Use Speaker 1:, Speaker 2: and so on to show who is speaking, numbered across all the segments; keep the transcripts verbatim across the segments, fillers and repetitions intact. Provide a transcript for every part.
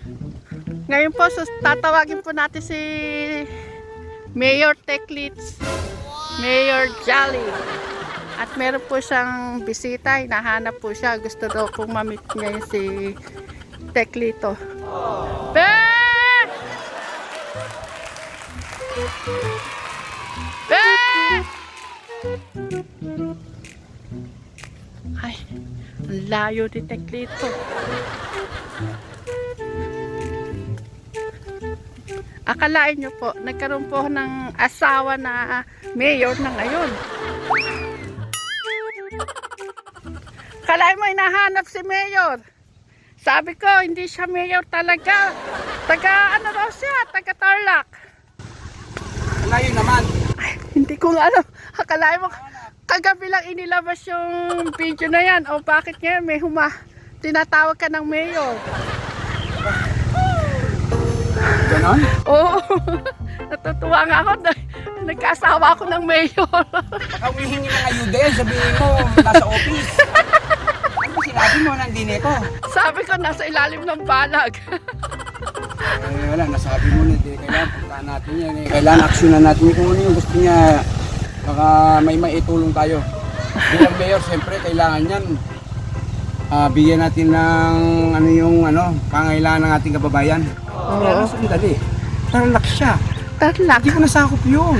Speaker 1: Ngayon po, sus tatawagin po natin si Mayor Teclits, Mayor Jolly. At meron po siyang bisita, hinahanap po siya. Gusto daw pong mamit niya yung si Teclito. Be! Be! Ay, ang layo ni Teclito. Akalain nyo po, nagkaroon po ng asawa na mayor na ngayon. Akalain mo, hinahanap si mayor. Sabi ko, hindi siya mayor talaga. Taga, ano daw siya? Taga Tarlac.
Speaker 2: Layo naman.
Speaker 1: Ay, hindi ko nga alam. Akalain mo, kagabi lang inilabas yung video na yan. O bakit ngayon may huma? Tinatawag ka ng mayor.
Speaker 2: Ganon?
Speaker 1: Oo. Natutuwa nga ako. Nagkasawa ako ng mayor.
Speaker 2: Baka humihingi ng ayuda yan. Sabihin mo, nasa office. Ano sinabi mo, nandine ko?
Speaker 1: Sabi ko, nasa ilalim ng balag.
Speaker 2: Eh, wala, nasabi mo na. Di, kailangan puntaan natin yan. Eh. Kailangan aksyonan natin kung ano yung gusto niya. Baka may maitulong tayo. Bilang mayor, siyempre, kailangan yan. Ah, bigyan natin ng ano yung ano, pangailangan ng ating kababayan.
Speaker 1: Oo.
Speaker 2: Kaya sandali. Tarlac siya.
Speaker 1: Tarlac.
Speaker 2: Hindi ko nasakop yun.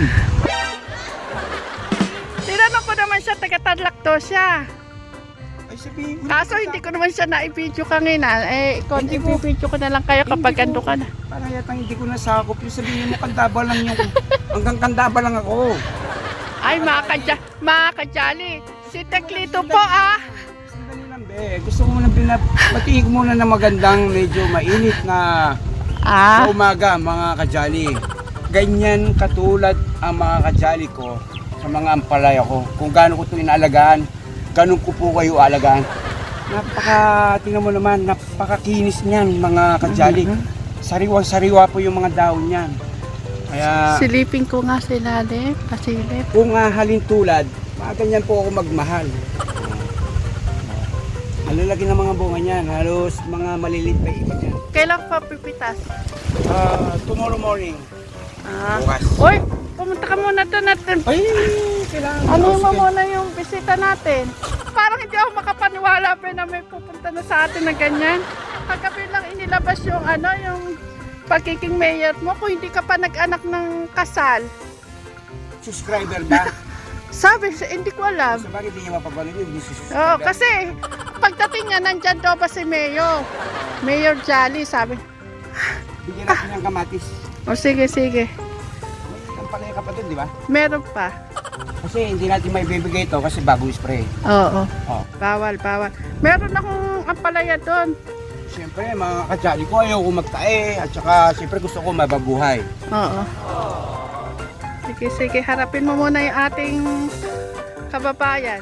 Speaker 1: Tinanong ko naman siya, taga Tarlac to siya.
Speaker 2: Ay, sabihin mo.
Speaker 1: Kaso hindi ko naman siya na-video kanina. Eh,
Speaker 2: Hindi ko-
Speaker 1: i-video ko na lang kayo kapag
Speaker 2: Hindi
Speaker 1: ando
Speaker 2: ko-
Speaker 1: ka na.
Speaker 2: Parang yatang hindi ko nasakop yung sabihin mo, kandaba lang yung, hanggang kandaba lang ako.
Speaker 1: Ay, mga kadya, mga kadyali. Si Teclito po ah.
Speaker 2: Sandali lang, be. Gusto ko muna binab... Batiin muna na magandang medyo mainit na
Speaker 1: Ah.
Speaker 2: sa umaga, mga kajali. Ganyan katulad ang mga kajali ko sa mga ampalaya ko. Kung gaano ko ito inaalagaan, ganun ko po kayo alagaan. Napaka, tingnan mo naman, napakakinis niyan, mga kajali. Sariwang-sariwa po yung mga dahon niyan. Kaya,
Speaker 1: Silipin ko nga sa ilalim. Pasilip.
Speaker 2: kung hahalin tulad, mga ganyan po ako magmahal. Halalaki ng mga bunga niyan, halos mga malilit pa iba niyan.
Speaker 1: Kailan pa pipitas?
Speaker 2: Ah, tomorrow morning.
Speaker 1: Ah.
Speaker 2: Bukas.
Speaker 1: Uy, pumunta ka muna doon natin.
Speaker 2: Ay, kailangan.
Speaker 1: Ano
Speaker 2: Oh,
Speaker 1: mo
Speaker 2: sige.
Speaker 1: muna yung bisita natin? Parang hindi ako makapaniwala pa na may pupunta na sa atin na ganyan. Kagabi lang inilabas yung ano, yung pagiging mayor mo kung hindi ka pa nag-anak ng kasal.
Speaker 2: Subscriber ba?
Speaker 1: Sabi, hindi ko alam.
Speaker 2: So bakit hindi niya mapapanood yun? Hindi si subscriber.
Speaker 1: Oo, kasi pagdating niya, nandyan daw ba si Mayor? Mayor Jolly, sabi.
Speaker 2: Bigyan natin ng kamatis.
Speaker 1: O sige, sige.
Speaker 2: Ang palaya ka pa dun, di ba?
Speaker 1: Meron pa.
Speaker 2: Kasi hindi natin may bibigay ito kasi bagong spray.
Speaker 1: Oo.
Speaker 2: Oh.
Speaker 1: Bawal, bawal. Meron akong ampalaya doon.
Speaker 2: Siyempre, mga kajali ko, ayaw ko magtae. At saka, siyempre gusto ko mababuhay.
Speaker 1: Oo. Sige, sige. Harapin mo muna yung ating kababayan.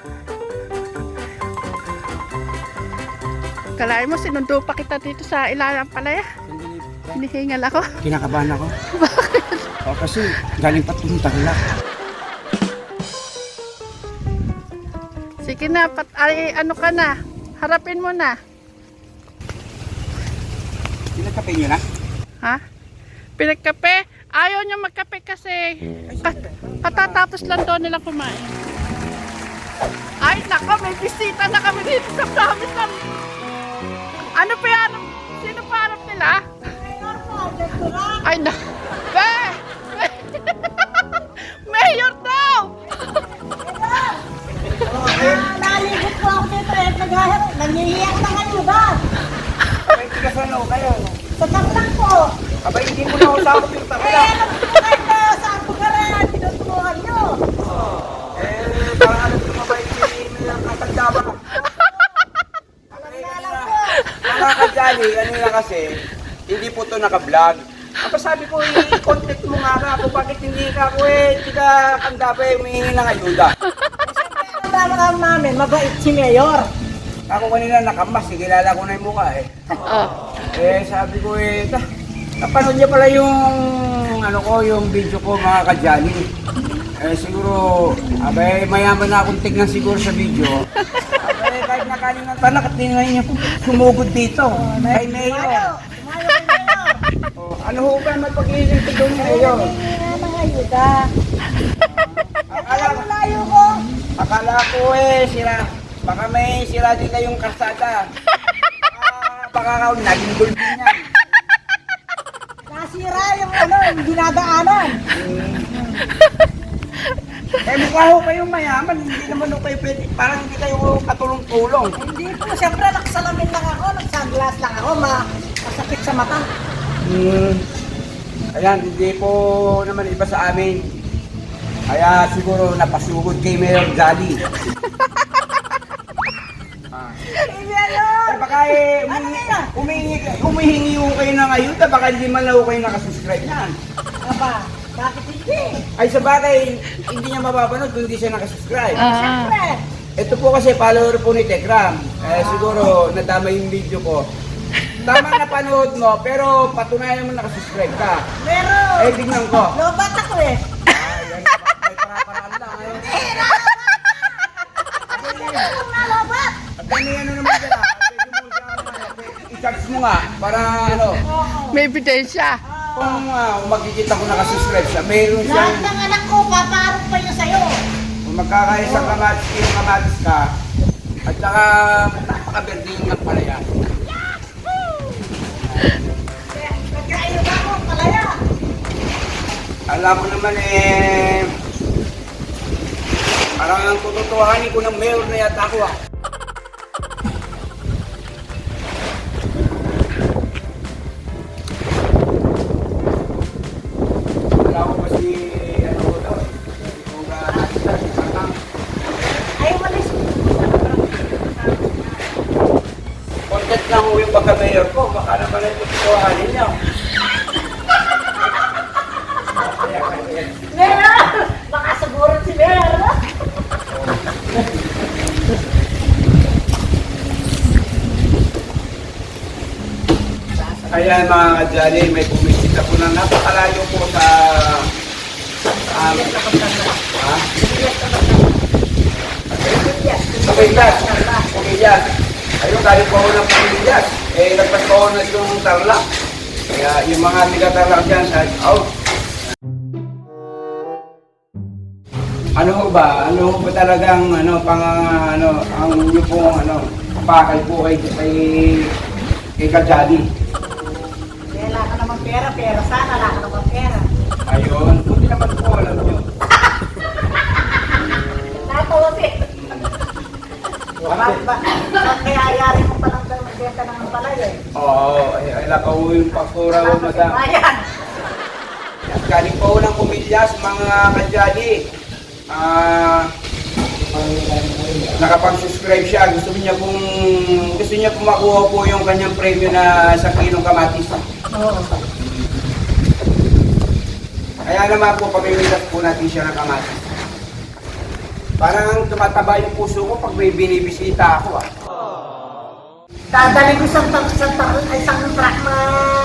Speaker 1: Kalahin mo, sinundo pa kita dito sa ilalang palaya.
Speaker 2: Sandali,
Speaker 1: Hinihingal ako.
Speaker 2: kinakabahan ako. Bakit? O, kasi galing pa itong Tarlac.
Speaker 1: Sige na, pat, ay, ano ka na. Harapin mo na.
Speaker 2: Pinagkape nyo na?
Speaker 1: Ha? Pinagkape? Ayaw niya magkape kasi ka- katatapos lang doon nila kumain. Ay, nako, may bisita na kami dito sa promise ng... Ano pa yan? Sino pa harap nila? Ay, na... Be! Be! Mayor daw!
Speaker 3: Nalibot po ako dito eh. Nag- Nangihiyak na kayo ba?
Speaker 2: Ay, tiga saan ako kayo?
Speaker 3: Sa Tarlac po.
Speaker 2: Abay, hindi mo na ako sakot yung
Speaker 3: Eh,
Speaker 2: Tarlac.
Speaker 3: ano po kayo na sa Apugaran? Tinuturuan nyo.
Speaker 2: Eh, parang alam ko mabait si Mayor Katandaba.
Speaker 3: Alam na lang po.
Speaker 2: Mga kajali, ano na kasi, hindi po to naka-vlog. Ako sabi ko, i-contact mo nga ka ako, bakit hindi ka ako eh, hindi ka kandaba eh, humihingi ng ayuda.
Speaker 3: Ano ba mga namin? Mabait si Mayor.
Speaker 2: Ako kanina nakamas, eh, kilala ko na yung mukha eh.
Speaker 1: Oh.
Speaker 2: Eh, sabi ko eh, ta, napanood niya pala yung, ano ko, yung video ko mga kajali. Eh, siguro, abay, mayaman na akong tignan siguro sa video. Abay, kahit nakaling ng tanak at tingnan niya, sumugod dito. Kay Mayor.
Speaker 3: Mayo. Mayo kay
Speaker 2: Ano ho ba mapag-iisip ko doon
Speaker 3: Ay,
Speaker 2: ngayon?
Speaker 3: naghihingi nga ng ayuda.
Speaker 2: Akala,
Speaker 3: Alam mo layo ko.
Speaker 2: akala ko eh, sira. Baka may sira din kayong karsada. Ah, baka ka naging gulpin yan.
Speaker 3: Nasira yung ano, yung dinadaanan.
Speaker 2: Eh mukha ho kayong mayaman, hindi naman ho kayo pwede, parang hindi kayo katulong-tulong.
Speaker 3: Hindi po, siyempre nagsalamin lang ako, nagsunglass lang ako, ma masakit sa mata.
Speaker 2: Hmm. Ayan, hindi po naman iba sa amin. Kaya siguro napasugod kay Mayor Jolly. Ah.
Speaker 3: Hindi yun.
Speaker 2: Eh baka eh,
Speaker 3: Ano
Speaker 2: umihingi,
Speaker 3: yan?
Speaker 2: umihingi, umihingi ho kayo ng ayuda, baka hindi man lang ho kayo nakasubscribe yan.
Speaker 3: Aba, bakit hindi?
Speaker 2: Ay sa bagay, hindi niya mapapanood kung hindi siya nakasubscribe.
Speaker 1: Ah.
Speaker 3: Siyempre.
Speaker 2: Ito po kasi follower po ni Tekram. Eh siguro nadama yung video ko. Tama na panood mo, pero patunayan mo nakasubscribe ka.
Speaker 3: Meron.
Speaker 2: Eh tingnan ko.
Speaker 3: Lobat ako eh.
Speaker 2: Ay, may para-paraan lang. Ayun.
Speaker 3: Anong nalobat?
Speaker 2: At ano yan naman sila? Pwede mo siya, ano, i-charge mo nga para ano.
Speaker 3: Oo.
Speaker 1: May ebidensya.
Speaker 2: Kung uh, makikita ko nakasubscribe siya, mayroon
Speaker 3: Lahat
Speaker 2: siyang,
Speaker 3: ng anak ko, paparok pa yun sa'yo.
Speaker 2: kung magkakaisang kamatis, kilo kamatis ka, at saka napaka-berding ng palaya.
Speaker 3: Kaya, nagkaayos ako, palaya.
Speaker 2: Alam mo naman eh, parang ang tututuhanin ko ng mayor na yata ako ah. Wala ko pa si, ano ko daw, kung uh,
Speaker 3: Ay, umalis.
Speaker 2: content lang ho yung pagka-mayor ko, baka naman ay tututuhanin niya.
Speaker 3: Meron! Baka siguro si Meron.
Speaker 2: Kaya mga kadyali, may bumisita po na napakalayo po sa um, ha? Pamillas. Pamillas. Ayun, galing po ako ng Pamillas. Eh, nagpas po ako na yung Tarlac. Kaya yung mga tiga-Tarlac dyan, shout out. Ano ho ba? Ano ho ba talagang ano, pang ano, ang inyo pong ano, pakay po kay kay, kay Kadyali?
Speaker 3: Wala ka naman pera, pero sana wala ka naman pera.
Speaker 2: Ayun, buti naman po alam nyo.
Speaker 3: Natawa si. Bakit ba? Bakit kaya ayari mo palang daw magbenta ng palay eh?
Speaker 2: Oo, ay, ay lakaw yung pakura mo, madam.
Speaker 3: Ayan.
Speaker 2: At galing po ng Pumillas, mga Kadyali. Ah, nakapag-subscribe siya. Gusto niya pong gusto niya pong makuha po yung kanyang premyo na sa kilong kamatis.
Speaker 3: Oo.
Speaker 2: Kaya naman po, pamimitas po natin siya ng kamatis. Parang tumataba yung puso ko pag may binibisita ako ah.
Speaker 3: Dadali ko isang truck, isang truck, isang truck na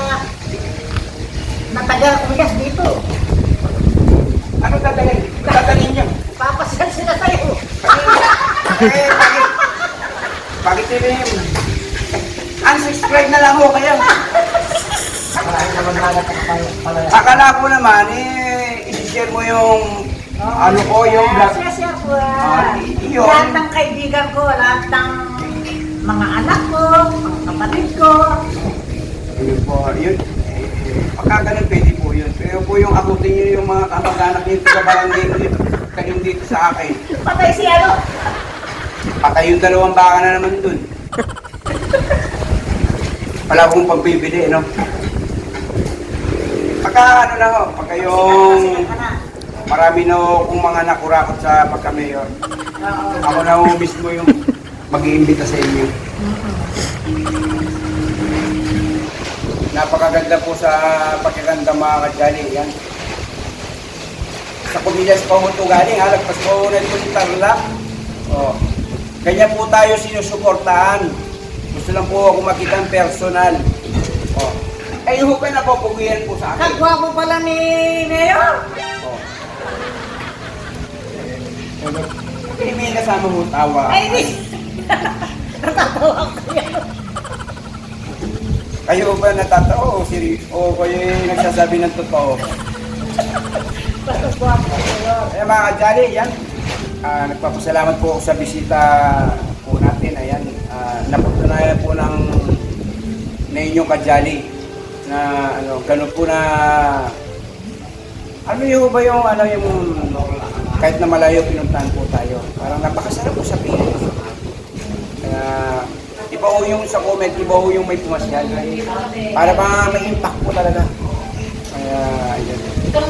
Speaker 3: na taga kumigas dito.
Speaker 2: Ano dadalhin? Dadalhin niyo?
Speaker 3: Papasyal sila sa'yo.
Speaker 2: Eh, bakit? Bakit yun eh? Unsubscribe na lang ho kayo.
Speaker 3: Marami naman nalat ang palaya.
Speaker 2: Akala ko naman eh, i-share mo yung ano ko, yung vlog.
Speaker 3: Yes, yes, po.
Speaker 2: Ah, yun.
Speaker 3: Lahat ng kaibigan ko, lahat ng mga anak ko, mga kapatid ko.
Speaker 2: Yun po, yun. Eh, pagka ganun pwede po yun. Pero po yung akutin nyo yung mga kamag-anak nyo sa barangay dito, kayong dito sa akin.
Speaker 3: Patay si ano?
Speaker 2: Patay yung dalawang baka na naman dun. Wala akong pagbibili, no? Pagka ano na ho, pagka yung
Speaker 3: Sikat ka na.
Speaker 2: marami na ho kung mga nakurakot sa pagka-mayor.
Speaker 3: Oo.
Speaker 2: Ako na ho mismo yung mag-iimbita sa inyo. Napakaganda po sa pagkaganda mga kadyali. Yan. Sa Pumillas pa ho ito galing, halagpas pa ho na ito si Tarlac. Oh. Ganyan po tayo sinusuportahan. Gusto lang po ako makita ng personal. Oh. Ay, ho ka na po, pugihan po sa akin.
Speaker 3: Kagwapo pala ni Mayor.
Speaker 2: Oh. Hindi may kasama mo tawa.
Speaker 3: Ay, hindi. Natatawa ko yan.
Speaker 2: Kayo ba natatao o seri- o kayo yung nagsasabi ng totoo?
Speaker 3: Basta guwapo, Mayor.
Speaker 2: Ayan mga kajali, yan. Ah, nagpapasalamat po ako sa bisita po natin. Ayan, ah, napatunayan po ng na inyong kajali na ano, ganun po na ano yung ba yung ano yung kahit na malayo pinuntahan po tayo. Parang napakasarap po sa Pinas. Kaya iba ho yung sa comment, iba ho yung may pumasyal. Para ba may impact po talaga. Kaya ayun.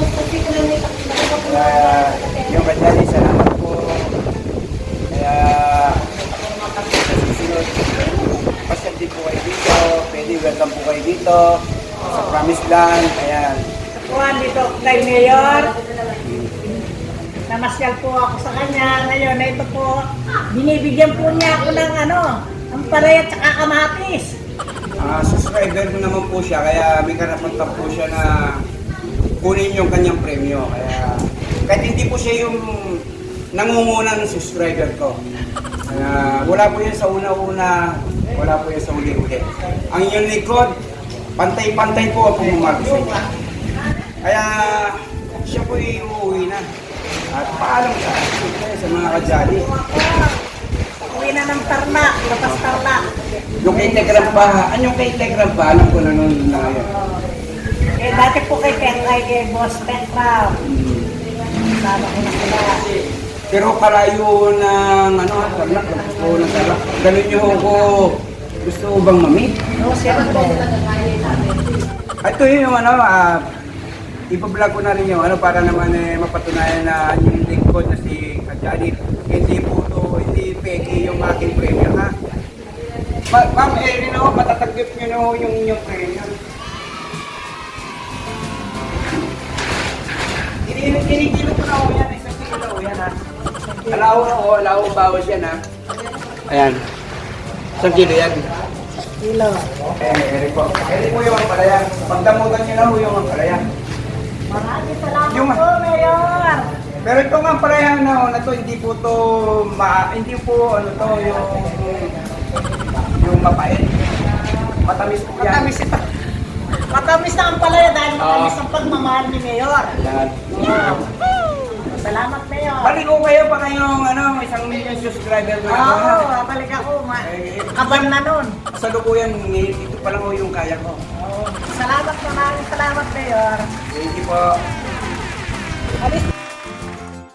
Speaker 2: Kaya yung kajali, salamat po. Kaya sa susunod, pasyal din po kayo dito. Pwede welcome po kayo dito sa Promised Land. Ayan.
Speaker 3: Kuhan dito kay Mayor. Namasyal po ako sa kanya. Ngayon, na ito po, binibigyan po niya ako ng ano, ang palaya at saka kamatis.
Speaker 2: Ah, subscriber ko naman po siya, kaya may karapatan po siya na kunin yung kanyang premyo. Kaya kahit hindi po siya yung nangungunang subscriber ko. Kaya wala po yan sa una-una, wala po yan sa uli-uli. Ang inyong likod, pantay-pantay po ang pumamahal sa inyo. Kaya siya po uuwi na. At paalam sa sa mga kajali.
Speaker 3: Uwi na ng Tarlac, lapas Tarlac.
Speaker 2: Yung kay Tegram pa, ano yung kay Tegram pa, alam ko na nun na yun.
Speaker 3: Eh, dati po kay Tekray, kay Boss Tekram. Sama ko na sila.
Speaker 2: Pero kalayo ng ano, Tarlac, gusto ko ng Tarlac. Ganun nyo ako, gusto ko bang mamit?
Speaker 3: No, siyempre.
Speaker 2: Ito yung ano, ah, ipa-vlog ko na rin yung ano para naman eh, mapatunayan na yung lingkod na si Kajali. Hindi po to, hindi peki yung aking premium ha. Ma Ma'am Erin, no, matatanggap nyo na ho yung inyong premium. Kinikilo ko na ho yan, isang kilo na ho yan ha. Alaw na ho, alaw bawas yan ha. Ayan. Isang kilo yan.
Speaker 3: Kilo.
Speaker 2: Eh, Erin po. Erin po yung ampalaya. Pagdamutan nyo na ho yung ampalaya.
Speaker 3: Maraming salamat
Speaker 2: Yung-
Speaker 3: po, Mayor.
Speaker 2: Pero ito nga ampalaya na, na to, hindi po to, ma, hindi po ano to, yung, yung mapait. Matamis po yan.
Speaker 3: Matamis ito. Matamis na ang palaya dahil matamis ang pagmamahal ni Mayor.
Speaker 2: Yan.
Speaker 3: Salamat, Mayor.
Speaker 2: Balik ko kayo pa kayong ano, isang million subscriber na ako.
Speaker 3: Oo, balik ako. Ma- Kaban na nun.
Speaker 2: Sa lukuyan, ito pa lang ho yung kaya ko.
Speaker 3: Oo. Salamat, maraming salamat, Mayor.
Speaker 2: Thank you po.
Speaker 3: Alis